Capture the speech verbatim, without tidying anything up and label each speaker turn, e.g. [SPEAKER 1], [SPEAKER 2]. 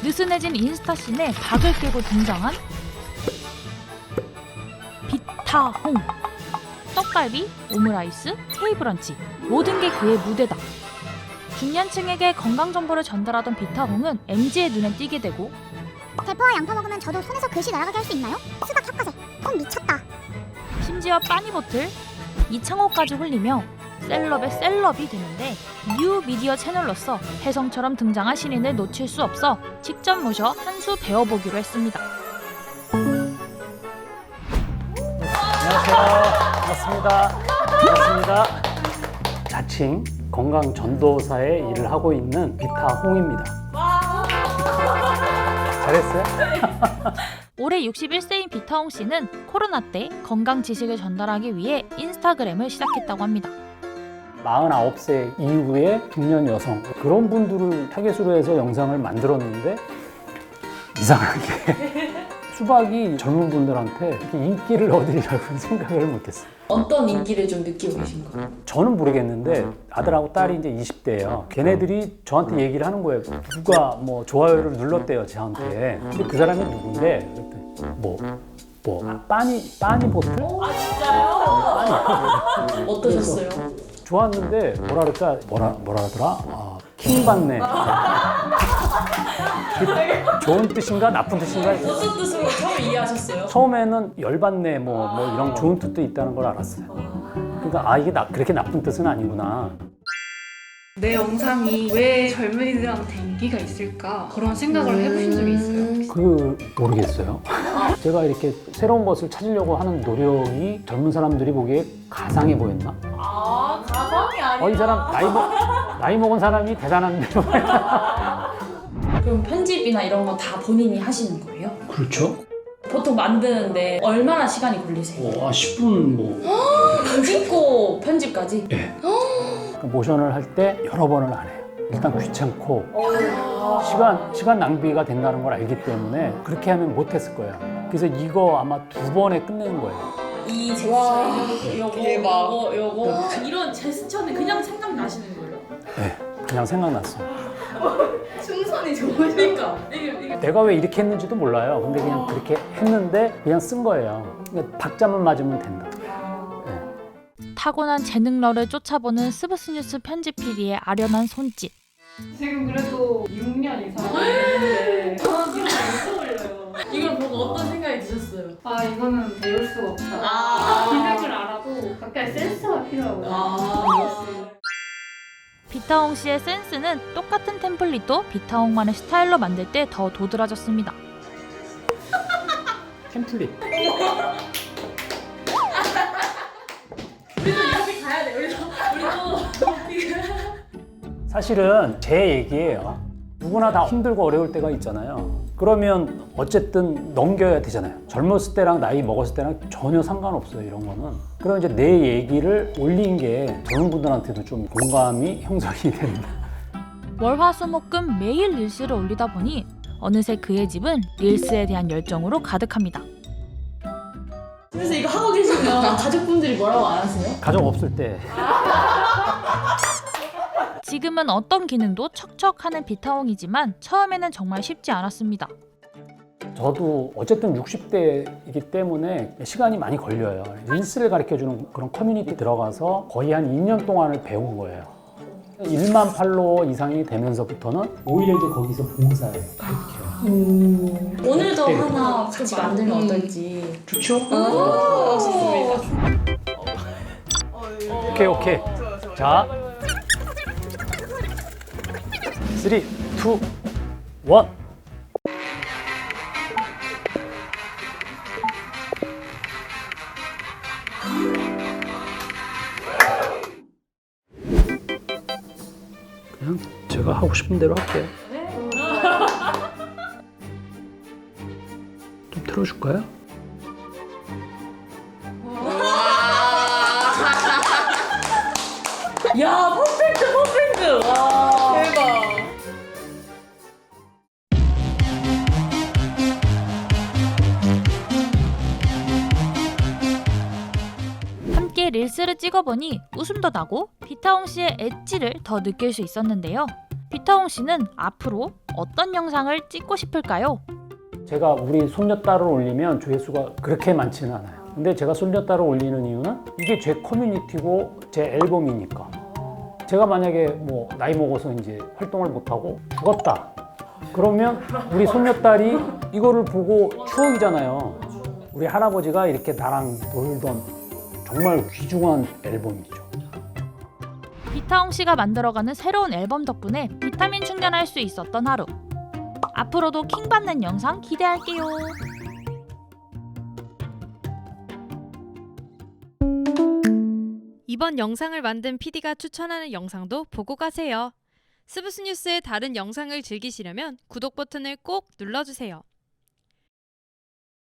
[SPEAKER 1] 느슨해진 인스타씬에 박을 깨고 등장한 비타홍. 떡갈비, 오므라이스, K브런치 모든 게 그의 무대다. 중년층에게 건강 정보를 전달하던 비타홍은 엠지의 눈에 띄게 되고
[SPEAKER 2] 대포와 양파 먹으면 저도 손에서 글씨 날아가게 할 수 있나요? 수박 혀까지 콩 미쳤다.
[SPEAKER 1] 심지어 빠니보틀, 이창호까지 홀리며 셀럽의 셀럽이 되는데 뉴 미디어 채널로서 혜성처럼 등장한 신인을 놓칠 수 없어 직접 모셔 한 수 배워보기로 했습니다.
[SPEAKER 3] 안녕하세요. 반갑습니다. 반갑습니다. 자칭 건강 전도사의 일을 하고 있는 비타홍입니다. 잘했어요?
[SPEAKER 1] 올해 육십일 세인 비타홍 씨는 코로나 때 건강 지식을 전달하기 위해 인스타그램을 시작했다고 합니다.
[SPEAKER 3] 마흔아홉 세 이후에 중년 여성 그런 분들을 타겟으로 해서 영상을 만들었는데 이상하게 수박이 젊은 분들한테 이렇게 인기를 얻으리라고 생각을 못했어요.
[SPEAKER 4] 어떤 인기를 좀 느끼고 계신 거예요?
[SPEAKER 3] 저는 모르겠는데 아들하고 딸이 이제 이십 대예요. 걔네들이 저한테 얘기를 하는 거예요. 누가 뭐 좋아요를 눌렀대요 저한테. 근데 그 사람이 누군데? 그랬더니 뭐, 뭐 빠니 빠니 보틀?
[SPEAKER 4] 아 진짜요? 어떠셨어요?
[SPEAKER 3] 좋았는데 뭐라 그럴까 뭐라 뭐라 하더라? 아, 킹 받네. 좋은 뜻인가 나쁜 뜻인가?
[SPEAKER 4] 어떤 뜻으로 처음 이해하셨어요?
[SPEAKER 3] 처음에는 열받네 뭐, 뭐 이런 좋은 뜻도 있다는 걸 알았어요. 그러니까 아 이게 나, 그렇게 나쁜 뜻은 아니구나.
[SPEAKER 5] 내 영상이 왜 젊은이들한테 인기가 있을까 그런 생각을 해보신 적이 있어요?
[SPEAKER 3] 그 모르겠어요. 제가 이렇게 새로운 것을 찾으려고 하는 노력이 젊은 사람들이 보기에 가상해 보였나?
[SPEAKER 4] 아 가상이 아니라
[SPEAKER 3] 어, 이 사람 나이, 먹, 나이 먹은 사람이 대단한데.
[SPEAKER 4] 그럼 편집이나 이런 거 다 본인이 하시는 거예요?
[SPEAKER 3] 그렇죠.
[SPEAKER 4] 보통 만드는데 얼마나 시간이 걸리세요?
[SPEAKER 3] 어, 십 분 뭐.
[SPEAKER 4] 찍고 편집까지?
[SPEAKER 3] 네. 모션을 할 때 여러 번을 안 해요. 일단 귀찮고 시간, 시간 낭비가 된다는 걸 알기 때문에 그렇게 하면 못했을 거예요. 그래서 이거 아마 두 번에 끝내는 거예요.
[SPEAKER 4] 이 제스처 요거
[SPEAKER 5] 대박.
[SPEAKER 4] 요거 요거
[SPEAKER 6] 이런 제스처는 그냥 생각나시는 거예요?
[SPEAKER 3] 네, 그냥 생각났어요.
[SPEAKER 6] 충선이 좋으니까 이게, 이게
[SPEAKER 3] 내가 왜 이렇게 했는지도 몰라요. 근데 그냥 그렇게 했는데 그냥 쓴 거예요. 그러니까 박자만 맞으면 된다.
[SPEAKER 1] 타고난 재능러를 쫓아보는 스브스뉴스 편집 피디의 아련한 손짓.
[SPEAKER 5] 지금 그래도 육 년 이상 했는데
[SPEAKER 6] 저는 지금 안 떠올려요. 이걸 보고 어떤 생각이 드셨어요?
[SPEAKER 5] 아 이거는 배울 수가 없다.
[SPEAKER 6] 아.
[SPEAKER 5] 기능을 알아도 각자의 센스가 필요하고요.
[SPEAKER 6] 아.
[SPEAKER 1] 비타홍 씨의 센스는 똑같은 템플릿도 비타홍만의 스타일로 만들 때 더 도드라졌습니다.
[SPEAKER 3] 템플릿.
[SPEAKER 6] 우리도 이렇게 가야 돼. 우리도 우리도
[SPEAKER 3] 사실은 제 얘기예요. 누구나 다 힘들고 어려울 때가 있잖아요. 그러면 어쨌든 넘겨야 되잖아요. 젊었을 때랑 나이 먹었을 때랑 전혀 상관없어요, 이런 거는. 그럼 이제 내 얘기를 올린 게 젊은 분들한테도 좀 공감이 형성이 된다.
[SPEAKER 1] 월화수목금 매일 릴스를 올리다 보니 어느새 그의 집은 릴스에 대한 열정으로 가득합니다.
[SPEAKER 4] 그래서 이거 하고 계시면 가족분들이 뭐라고 안 하세요?
[SPEAKER 3] 가족 없을 때.
[SPEAKER 1] 지금은 어떤 기능도 척척하는 비타홍이지만 처음에는 정말 쉽지 않았습니다.
[SPEAKER 3] 저도 어쨌든 육십 대이기 때문에 시간이 많이 걸려요. 릴스를 가르쳐주는 그런 커뮤니티 들어가서 거의 한 이 년 동안을 배운 거예요. 일만 팔로워 이상이 되면서부터는 오히려 이제 거기서 봉사를 가르쳐요.
[SPEAKER 4] 음, 오늘도
[SPEAKER 3] 네.
[SPEAKER 4] 하나 같이 만들면 어떨지.
[SPEAKER 3] 좋죠?
[SPEAKER 4] 오, 좋습니다.
[SPEAKER 3] 오케이, 오케이. 자, 쓰리, 투, 원. 그냥 제가 하고 싶은 대로 할게요. 좀 틀어줄까요?
[SPEAKER 4] 야, 퍼펙트, 퍼펙트. 와. 대박.
[SPEAKER 1] 함께 릴스를 찍어보니 웃음도 나고 비타홍 씨의 엣지를 더 느낄 수 있었는데요. 비타홍 씨는 앞으로 어떤 영상을 찍고 싶을까요?
[SPEAKER 3] 제가 우리 손녀딸을 올리면 조회수가 그렇게 많지는 않아요. 근데 제가 손녀딸을 올리는 이유는 이게 제 커뮤니티고 제 앨범이니까. 제가 만약에 뭐 나이 먹어서 이제 활동을 못하고 죽었다. 그러면 우리 손녀딸이 이거를 보고 추억이잖아요. 우리 할아버지가 이렇게 나랑 놀던 정말 귀중한 앨범이죠.
[SPEAKER 1] 비타홍 씨가 만들어가는 새로운 앨범 덕분에 비타민 충전할 수 있었던 하루. 앞으로도 킹 받는 영상 기대할게요.
[SPEAKER 7] 이번 영상을 만든 피디가 추천하는 영상도 보고 가세요. 스브스 뉴스의 다른 영상을 즐기시려면 구독 버튼을 꼭 눌러주세요.